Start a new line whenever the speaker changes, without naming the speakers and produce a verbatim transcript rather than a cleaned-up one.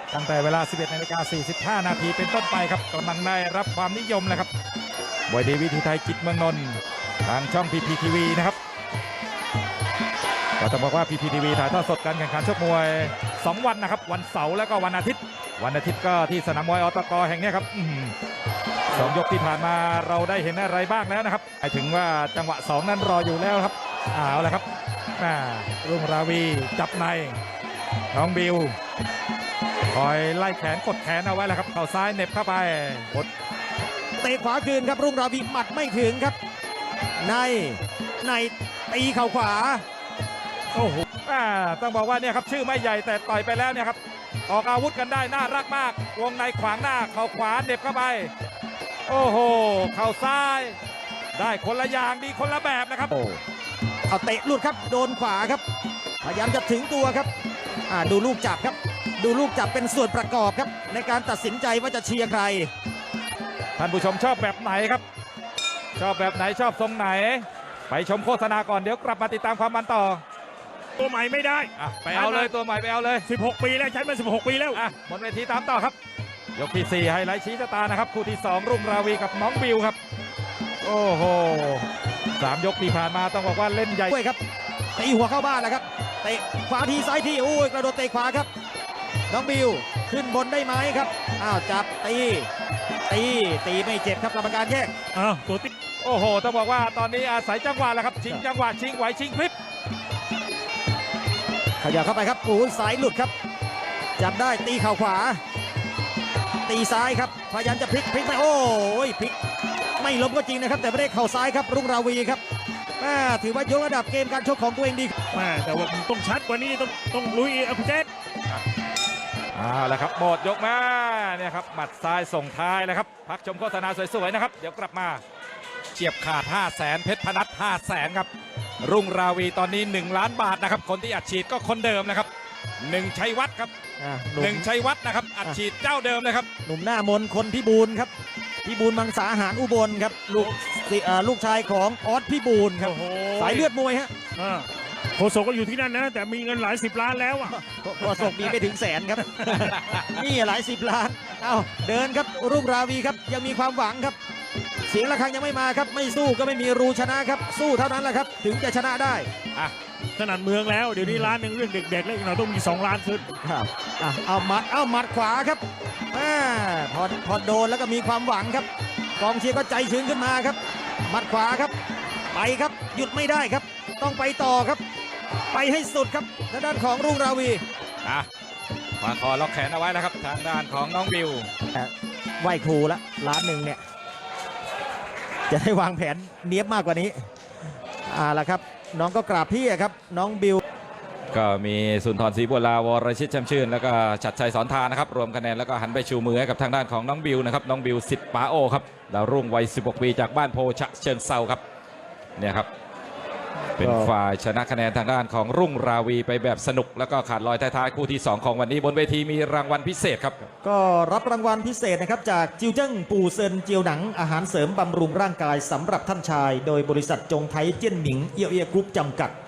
ตั้งแต่เวลา สิบเอ็ดนาฬิกาสี่สิบห้า นาทีเป็นต้นไปครับกำลังได้รับความนิยมเลยครับมวยดีวิธีไทยจิตเมืองนนท์ทางช่อง พี พี ที วี นะครับก็ต้องบอกว่า พี พี ที วี ถ่ายทอดสดการแข่งขันชกมวยสองวันนะครับวันเสาร์และก็วันอาทิตย์วันอาทิตย์ก็ที่สนามมวยอตกแห่งนี้ครับสองยกที่ผ่านมาเราได้เห็นอะไรบ้างแล้วนะครับหมายถึงว่าจังหวะสองนั้นรออยู่แล้วครับเอาละครับรุ่งราวีจับในน้องบิวคอยไล่แขนกดแขนเอาไว้แล้วครับเข่าซ้ายเน็บเข้าไปกด
เตะขวาคืนครับรุ่งราวีหมัดไม่ถึงครับในในตีเข่าขวา
โอ้โหต้องบอกว่าเนี่ยครับชื่อไม่ใหญ่แต่ต่อยไปแล้วเนี่ยครับออกอาวุธกันได้น่ารักมากวงในขวางหน้าเข่าขวาเน็บเข้าไปโอ้โหเข่าซ้ายได้คนละอย่างดีคนละแบบนะครับ
เอาเตะหลุดครับโดนขวาครับพยายามจะถึงตัวครับดูลูกจับครับดูลูกจับเป็นส่วนประกอบครับในการตัดสินใจว่าจะเชียร์ใคร
ท่านผู้ชมชอบแบบไหนครับชอบแบบไหนชอบทรงไหนไปชมโฆษณาก่อนเดี๋ยวกลับมาติดตามความมันต่อ
ตัวใหม่ไม่ได้
ไปเอาเลยตัวใหม่ไปเอาเลย
สิบหกปีแล้วใช้มาสิบหกปีแล้ว
หมดเวทีตามต่อครับยกที่สี่ไฮไลท์ชี้ชะตานะครับคู่ที่สองรุ่งราวีกับน้องบิวครับโอ้โหสามยกที่ผ่านมาต้องบอกว่าเล่นใหญ่
ด้วยครับตีหัวเข้าบ้านแล้วครับเตะขวาทีซ้ายทีโอ้ยกระโดดเตะขวาครับน้องบิวขึ้นบนได้ไหมครับอ้าวจับตีตีตีไม่เจ็บครับกรรมการแยก
อ้าวตัวติ
โอ้โหต้องบอกว่าตอนนี้อาศัยจังหวะแล้วครับชิงจังหวะชิงไหวชิงพลิบ
ขยับเข้าไปครับปูสายหลุดครับจับได้ตีเข่าขวาตีซ้ายครับพยายามจะพลิกพลิกไปโอ้ยพลิกไม่ล้มก็จริงนะครับแต่ไม่ได้เข่าซ้ายครับรุ่งราวีครับถือว่ายกระดับเกมการชกของตัวเองดี
แต่ว่าต้องชัดกว่านี้ต้องต้องลุยเอาคุณเจษ
เอาละครับหมดยกมาเนี่ยครับหมัดซ้ายส่งท้ายแล้วครับพักชมโฆษณาสวยๆนะครับเดี๋ยวกลับมาเฉียบขาด ห้าแสน เพชรพนัส ห้าแสน ครับรุ่งราวีตอนนี้หนึ่งล้านบาทนะครับคนที่อัดฉีดก็คนเดิมนะครับหนึ่งชัยวัฒน์ครับหนึ่งชัยวัฒน์นะครับอัดฉีดเจ้าเดิมเลยครับ
หนุ่มหน้ามนคนพิบูลครับพิบูลมังสาหารอุบลครับลูกลูกชายของออสพิบูลครับสายเลือดมวยฮะ
โฆษกก็อยู่ที่นั่นนะแต่มีเงินหลายสิบล้านแล้วอ่ะ
โฆษกมีไม่ถึงแสนครับนี่หลายสิบล้านเอ้าเดินครับรุ่งราวีครับยังมีความหวังครับเสียงระฆังยังไม่มาครับไม่สู้ก็ไม่มีรูชนะครับสู้เท่านั้นแหละครับถึงจะชนะได้
อ่ะขนาดเมืองแล้วเดี๋ยวนี้ล้านหนึ่งเรื่องเด็กๆแล้วอีกหน่อยต้องมีสองล้านขึ้น
ครับอ่ะเอาหมัดเอาหมัดขวาครับอ่าพอพอโดนแล้วก็มีความหวังครับกองเชียร์ก็ใจชื้นขึ้นมาครับหมัดขวาครับไปครับหยุดไม่ได้ครับต้องไปต่อครับไปให้สุดครับทางด้านของรุ่งราวี
อ่ะขวาคอล็อกแขนเอาไว้แล้วครับทางด้านของน้องบิว
ไหวครูละล้านหนึ่งเนี่ยจะได้วางแผนเนียบมากกว่านี้อ่าละครับน้องก็กราบพี่ครับน้องบิว
ก็มีสุนทรศรีบัวลาวรชิตช่ำชื่นแล้วก็ชัดชัยสอนทานะครับรวมคะแนนแล้วก็หันไปชูมือให้กับทางด้านของน้องบิวนะครับน้องบิวสิทธิ์ป๋าโอครับดาวรุ่งวัยสิบหกปีจากบ้านโพฉะเชิงเซาครับเนี่ยครับเป็นฝ่ายชนะคะแนนทางด้านของรุ่งราวีไปแบบสนุกแล้วก็ขาดลอยท้ายๆคู่ที่สองของวันนี้บนเวทีมีรางวัลพิเศษครับ
ก็รับรางวัลพิเศษนะครับจากจิวเจิ้งปูเซินเจียวหนังอาหารเสริมบำรุงร่างกายสำหรับท่านชายโดยบริษัทจงไทยเจี้ยนหมิงเอียวเอียกรุ๊ปจำกัด